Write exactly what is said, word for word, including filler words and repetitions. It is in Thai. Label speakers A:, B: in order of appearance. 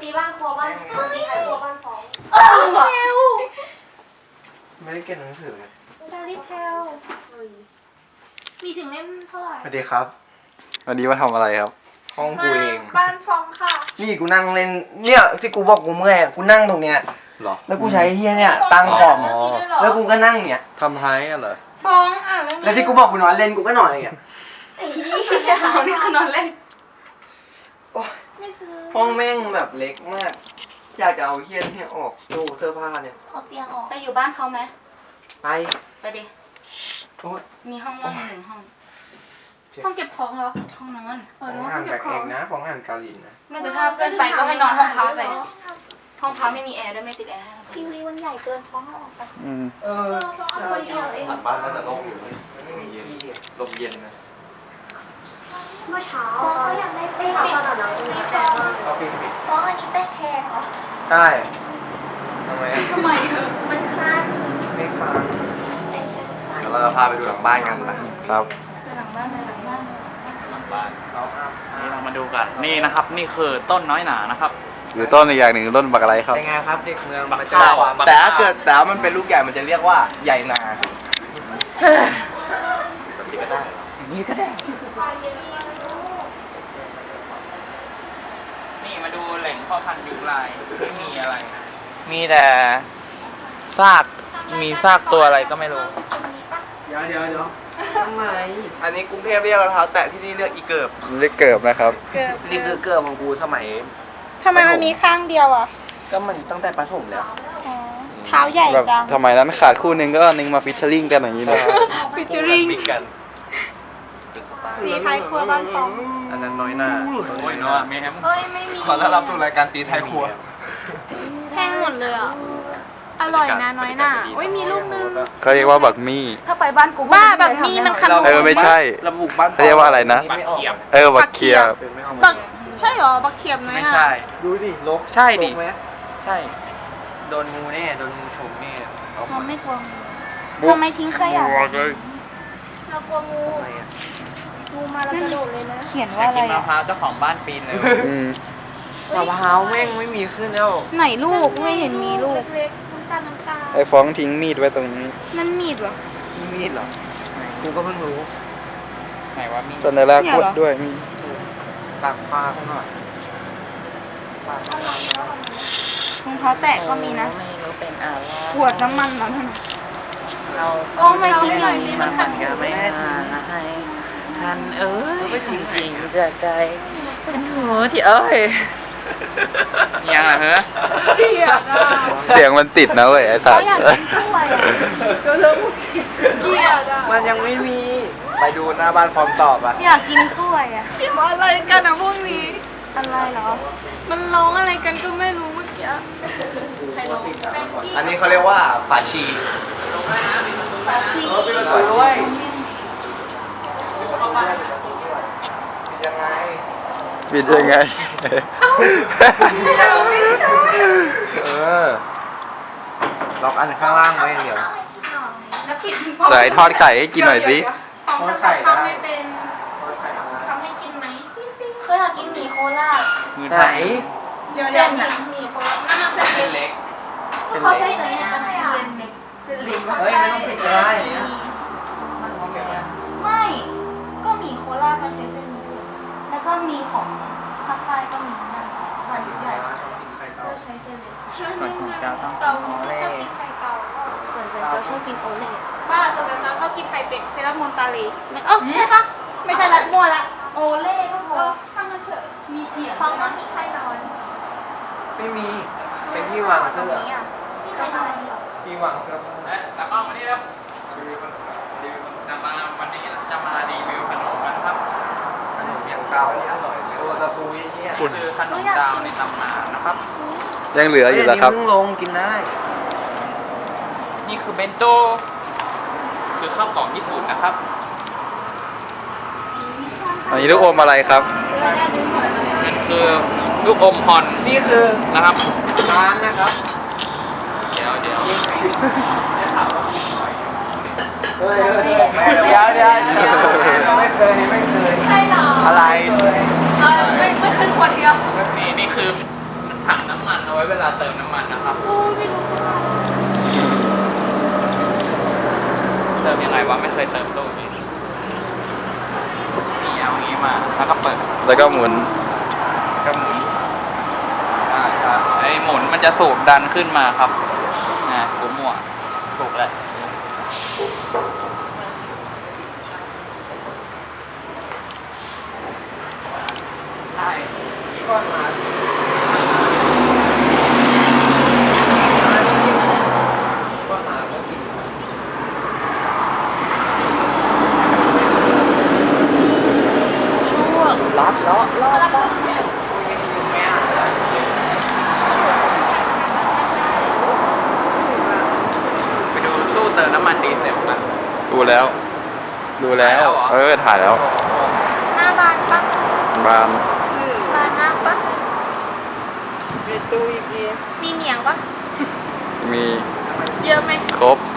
A: ตีบ้านครัวบ้านตีใครครัวบ้านฟอง
B: เออเทล
C: ไม่ได้เก็บหนังสือไง
B: ดาริเทลมีถึงเล่มเท่าไหร่
C: สวัสดีครับ
D: วันนี้มาทำอะไรครับ
C: ห้องกูเอง
B: บ้านฟองค่ะ
C: นี่กูนั่งเล่นเนี่ยที่กูบอกกูเมื่อยกูนั่งตรงเนี้ย
D: หรอ
C: แล้วกูใช้เฮียเนี่ยตั้งคอมแล้วกูก็นั่งเนี่ย
D: ทำไท้อะเหรอ
B: ฟองอ่านเรื่องนี้
C: แล้วที่กูบอกกูนอนเล่นกูก็นอนอย่างเงี้ย
A: ไอ้ยี่
B: ฟองนี่คือนอนเล่น
C: โอ้ย
B: ไม่ซื้อ
C: ห้องแม่งแบบเล็กมาก อยากจะเอาเฮียเนี่ยออกตู้เสื้อผ้าเนี่ย
B: เอาเตียงออกไปอยู่บ้านเขาไหม
C: ไป
B: ไปดิ
C: โอ้ย
B: มีห้องว่างหนึ่งห้องห้องเก็บของเหรอห้องนอนเอ
C: ข
B: อ
C: อง
B: นึกว่า
C: อ่า
B: ห้อน ง
C: แบ
B: เก็บบ ข
C: เอ
B: อง
C: งนะของอ่านกาลินนะ
B: ไม่แต่ถ้าเกินไปก็ให้นอนห้องพักไปห้องพักไม่มีแอร์ด้วยไม่ติดแอร์
A: ทีวีมันใหญ่เกินฟ้องเอาออกไป
D: อืม
C: เออ
A: เอาคนเดียวเอง
D: หลังบ้านน่าจะโล่งอยู่เลยไม่มีเย็นลมเย็นนะ
A: เมื่อเช้าเขาอยากได้เป้เช้าตอนนั้นมีแฟน
C: เอาปิดปิด
A: ฟ้องอันนี้เป้แคร์เหรอ
C: ได้ทำไมอะ
B: ทำไมเออ
A: มันคัน
C: ไม่ฟัง
A: แต่ฉันคัน
D: เดี๋ยวเราจะพาไปดูหลังบ้านกันนะครับ
B: ไปหลังบ้านไปหลังบ้าน
E: หลังบ้าน
C: เราอัพ
E: นี่เรามาดูกันนี่นะครับนี่คือต้นน้อยหนานะครับ
D: หรือต้นอีกอย่างหนึ่งต้นบักอะไรครับ
C: เป็นไงครับเด็กเมือง
E: บัก
C: มาเจอ
E: ข้าว
C: ความ
D: แต่ถ้าเกิดแต่ว่ามันเป็นลูกใหญ่มันจะเรียกว่าใหญ่นาแบบนี้ก็ได้
E: นี่ก็ได้นี่มาดูแหล่งพ่อพันธุ์ยุงลายไม่มีอะไร มีแต่ซากมีซากตัวอะไรก็ไม่รู้
C: เดี๋ยวเดี๋ยวเดี๋ยวทำไม
D: อันนี้กรุงเทพเรียกรองเท้าแตะที่นี่เรียกอีเกิบเรียกเกิบนะครับ
C: นี่คือเกิดของกูสมัย
B: ทำไมมันมีข้างเดียวอ่ะ
C: ก็มันตั้งแต่ประถมแล้ว
B: เท้าใหญ่
D: แบบ
B: จัง
D: ทำไมนั้นขาดคู่หนึงก็นึงมาฟิชเชอริงกันอย่างนี้เลย
B: ฟิชเชอริง
D: มิกกัน
B: สีไทยครัวบ้านฟอง
C: อันนั้นน้อยหน้า
E: โอ้ยเนาะแม่ม
B: เอ้ยไม่มี
D: ขอต้อนรับสู่รายการตีไทยครัว
B: แพงหมดเลยอ่ะ อร่อยนะน้อยหน่าโอ้ยมีลูกนึง
D: เขาเรียกว่าบักมี่
B: ถ้าไปบ้านกูบ้าแบบมีมันขนม
D: เออไม่ใช่
C: ระบุบ้าน
D: เขาเรียกว่าอะไรนะ
E: บักเขียบ
D: เออบักเคียบ
B: บักใช่เหรอบักเขียบน้อย
E: ไม่
B: หน่า
E: ใช่
C: ดูดิลก
E: ใช่ดิ
C: ลกไหม
E: ใช่
C: โดนงูแน่โดนงูฉกแน่เอา
B: เราไม่กลัวงู
D: บุ๊ก
B: ทำไมทิ้งขยะ
D: เลย
B: เรากลัวงู
C: ทำไมอ่ะ
B: งูมาแล้วกระโดดเลยนะเขียน
E: อ
B: ว่าอะ
E: ยาก
B: ไร
E: กินมะ
B: อะ
E: พร้าวเจ้าของบ้านปีนเลย
D: อืม
C: มะพร้าวแม่งไม่มีขึ้นแล้ว
B: ไหนลูกไม่เห็นมีลูก
D: ไอ้ฟ้องทิ้งมีดไว้ตรงนี้
B: นั่นมีดเหรอ
C: มีมีดเหรอกูก็เพิ่งรู้
E: ไหนว่ามี
D: สัญลักษณ์
B: เนี่ย
D: ก
B: เหร
D: ด
B: อ
D: ด้วยมี
C: ปากปลาข้างหน่อยปากปลาร
B: องเท้าแตะก็มีนะ
E: ไม่รู้เป็นอะไร
B: ขวดน้ำมันเหรอท่าน
E: เรา
B: โอ้ไม่ทิ้งอย่างนี้มันขัด
E: ก็ไม่หายฉันเอ้ยจริงๆจากใจเป็นหัวที่เอ้ยยังอ่ะเหรอ
D: เสียงมันติดนะเว้ยไอ้สั
B: เขา
D: ตว์
B: อยากกินกล้วยอะเกลียดอะ
C: มันยังไม่มี
D: ไปดูหน้าบ้านฟอมตอบอ่ะ
B: อยากกินกล้วยอะกินอะไรกันอะพวกนี้ อะไรเหรอ มันร้องอะไรกันก็ไม่รู้เมื่อกี้ใครร้องแบงกี้
D: อันนี้เขาเรียกว่าฝาชี
B: ฟาซี
C: ด้วย
D: ยังไงปิดยังไง
C: เออล็อกอันข้างล่างไว้เดี๋ยว
B: แล้วปิด
D: ไหนทอดไข่ให้กินหน่อยสิ
B: ทอดไข่ทำไม่เป็นทำให้กินไหมเคยอยากกินหมี่โคราช
E: มือ
C: ไหน
E: ไทย
B: เดี๋ยวเดี๋ยวหมี่หมี่โคราชนั่นน่ะเส้น
E: เส้น
B: เล็ก
E: เล็ก
B: เขาใช้เส้นเล็กอะไรอ่ะเส้นเล็ก
C: เฮ้ยไม่ต้องผิดก็ได้เนี่ย
B: ไม่ ก็หมี่โคราชมาใช้เส้นนี้แล้วก็มีของภาคใต้ก็มีนะวันใหญ่ก็ใช้เส้นเล็ก
E: ส่วนของเจ้าต้อง
B: เรา
E: กินโอ
B: ชอบ
E: เล่
B: กินไข่เก่าส่วนเจนเจ้าชอบกินโอเล่ป้าส่วนเจนเจ้าชอบกินไข่เป็ดเซรั่มมอนตาลีไม่เออใช่ปะไม่ใช่ละมั่วละโอเล่ก็พอช่างมันเถอะมีเทียฟังต้องมีไข่นอน
C: ไม่มี เป็นที่วางเสื้อ
B: มีไข่นอนเหรอ
C: ที่วางเสื้อ
E: เอ๊ะแล้วก็วันนี้ครับจะมาวันนี้จะมารีวิวขนมกันครับ
C: อย่างเก่าอร่อยตัวตะฟูยี่เนี่ย
E: นี่คือขนมดาวในตำนานนะครับ
D: ยังเหลืออยู่แล้วครับ
C: เพิ่งลงกินได้
E: นี่คือเบนโตคือข้าวกล่องญี่ปุ่นนะครับ
D: อันนี้ลูกอมอะไรครับ
E: นั่นคือลูกอมฮอน
C: นี่คือ
E: นะครับ
C: ร้านนะครับ
E: เดี๋ยวเดี๋ยว
C: เฮ้ยเดี๋ยวเดี๋ยวเดี๋ยวไม่เคยไม่เคย
B: ใช่เหรอ
C: อะไร
B: เออไม่ไม่ขึ้นคนเดียว
E: นี่นี่คือถังเวลาเติมน้ำมันนะครับ
B: โอ้ยไม่รู้ว่า
E: เติมยังไงวะไม่เคยเติมตู้นี้นี่เอาอย่างนี้มาแล้วก็เปิด
C: แล้วก็หมุน
E: ก็หมุนอ่าครับไอ้หมุนมันจะสูบดันขึ้นมาครับอ่ากูมั่วถูกแล้วใช่ก้อนมาก้อนมาก็กินช่วงลัดเลาะลอดบ้างไปดูตู้เติมน้ำมันดีเซลกัน
C: ดูแล้ว ดูแล้ว เออ ถ่ายแล้ว
B: หน้าบานปะ
C: บาน
B: บานมากปะ
E: มีตู้อีกที
B: มีเหนียงปะ
C: มี
B: เยอะไหม
C: ครบ